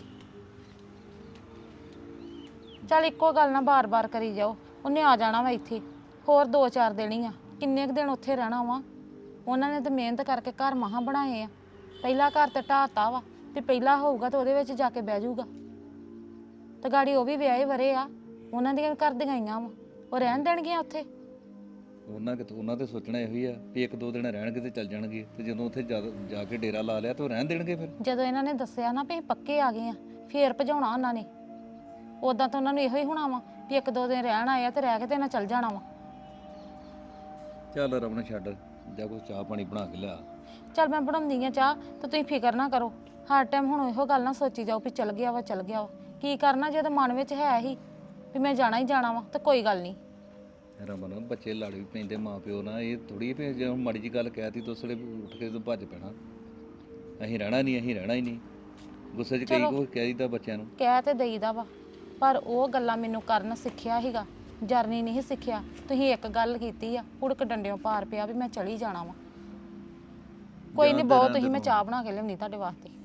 [SPEAKER 4] ਚੱਲ ਇੱਕੋ ਗੱਲ ਨਾ ਬਾਰ-ਬਾਰ ਕਰੀ ਜਾਓ, ਉਹਨੇ ਆ ਜਾਣਾ ਵਾ ਇੱਥੇ, ਹੋਰ ਦੋ ਚਾਰ ਦਿਨ ਹੀ ਆ, ਕਿੰਨੇ ਕੁ ਦਿਨ ਉੱਥੇ ਰਹਿਣਾ ਵਾ। ਉਹਨਾਂ ਨੇ ਤਾਂ ਮਿਹਨਤ ਕਰਕੇ ਘਰ ਮਹਾਂ ਬਣਾਏ ਆ, ਪਹਿਲਾ ਘਰ ਤੇ ਢਾਤਾ ਵਾ ਤੇ ਪਹਿਲਾ ਹੋਊਗਾ ਤਾਂ ਉਹਦੇ ਵਿੱਚ ਜਾ ਕੇ ਬਹਿ ਜਾਊਗਾ। ਤੇ ਗਾੜੀ ਉਹ ਵੀ ਵਿਆਹੇ ਵਰੇ ਆ, ਉਹਨਾਂ ਦੀਆਂ ਵੀ ਘਰ ਦੀਆਂ ਆਈਆਂ ਵਾ, ਉਹ ਰਹਿਣ ਦੇਣਗੀਆਂ ਉੱਥੇ।
[SPEAKER 3] ਉਹਨਾਂ ਕਿ ਉਹਨਾਂ ਤੇ ਸੋਚਣਾ ਇਹੋ ਹੀ ਆ ਵੀ ਇੱਕ ਦੋ ਦਿਨ ਰਹਿਣਗੇ ਤੇ ਚੱਲ ਜਾਣਗੇ, ਤੇ ਜਦੋਂ ਉੱਥੇ ਜਾ ਜਾ ਕੇ ਡੇਰਾ ਲਾ ਲਿਆ ਤਾਂ ਉਹ ਰਹਿਣ ਦੇਣਗੇ ਫਿਰ।
[SPEAKER 4] ਜਦੋਂ ਇਹਨਾਂ ਨੇ ਦੱਸਿਆ ਨਾ ਵੀ ਅਸੀਂ ਪੱਕੇ ਆ ਗਏ ਆ, ਫੇਰ ਭਜਾਉਣਾ ਉਹਨਾਂ ਨੇ। ਉਦਾਂ ਤਾਂ ਉਹਨਾਂ ਨੂੰ ਇਹੋ ਹੀ ਹੋਣਾ ਵਾ ਵੀ ਇੱਕ ਦੋ ਦਿਨ ਰਹਿਣ ਆਏ ਆ ਤੇ ਰਹਿ ਕੇ ਤੇ ਇਹਨਾਂ ਚੱਲ ਜਾਣਾ ਵਾ।
[SPEAKER 3] ਚੱਲ ਰਮਨ ਛੱਡ, ਜਾ ਕੋਈ ਚਾਹ ਪਾਣੀ ਬਣਾ ਕੇ ਲਿਆ।
[SPEAKER 4] ਚੱਲ ਮੈਂ ਬਣਾਉਂਦੀ ਆ ਚਾਹ, ਤੇ ਤੁਸੀਂ ਫਿਕਰ ਨਾ ਕਰੋ। ਹਰ ਟਾਈਮ ਹੁਣ ਇਹੋ ਗੱਲ ਨਾ ਸੋਚੀ ਜਾਓ ਵੀ ਚੱਲ ਗਿਆ ਵਾ ਚੱਲ ਗਿਆ ਵਾ। ਕੀ ਕਰਨਾ, ਜਦੋਂ ਮਨ ਵਿੱਚ ਹੈ ਹੀ ਵੀ ਮੈਂ ਜਾਣਾ ਹੀ ਜਾਣਾ ਵਾ, ਤਾਂ ਕੋਈ ਗੱਲ ਨਹੀਂ।
[SPEAKER 3] ਰਮਨ ਬੱਚੇ ਲੜ ਵੀ ਪੈਂਦੇ ਮਾਂ ਪਿਓ ਨਾਲ, ਇਹ ਥੋੜੀ ਵੀ ਜੇ ਹੁਣ ਮਾੜੀ ਜੀ ਗੱਲ ਕਹਿਤੀ ਦੋਸੜੇ ਉੱਠ ਕੇ ਤੂੰ ਭੱਜ ਪੈਣਾ। ਅਸੀਂ ਰਹਿਣਾ ਨਹੀਂ, ਅਸੀਂ ਰਹਿਣਾ ਹੀ ਨਹੀਂ। ਗੁੱਸੇ 'ਚ ਕਈ ਕੁਝ ਕਹਿ ਦਿੱਤਾ ਬੱਚਿਆਂ ਨੂੰ।
[SPEAKER 4] ਕਹਿ ਤੇ ਦੇਈਦਾ ਵਾ, ਪਰ ਉਹ ਗੱਲਾਂ ਮੈਨੂੰ ਕਰਨ ਸਿੱਖਿਆ ਸੀਗਾ, ਜਰਨੀ ਨਹੀਂ ਸਿੱਖਿਆ। ਤੁਸੀਂ ਇੱਕ ਗੱਲ ਕੀਤੀ ਆ, ਉੜਕ ਡੰਡਿਓਂ ਪਾਰ ਪਿਆ ਵੀ ਮੈਂ ਚਲੀ ਜਾਣਾ ਵਾ। ਕੋਈ ਨਹੀਂ, ਬਹੁਤ ਤੁਸੀਂ, ਮੈਂ ਚਾਹ ਬਣਾ ਕੇ ਲਿਆਉਣੀ ਤੁਹਾਡੇ ਵਾਸਤੇ।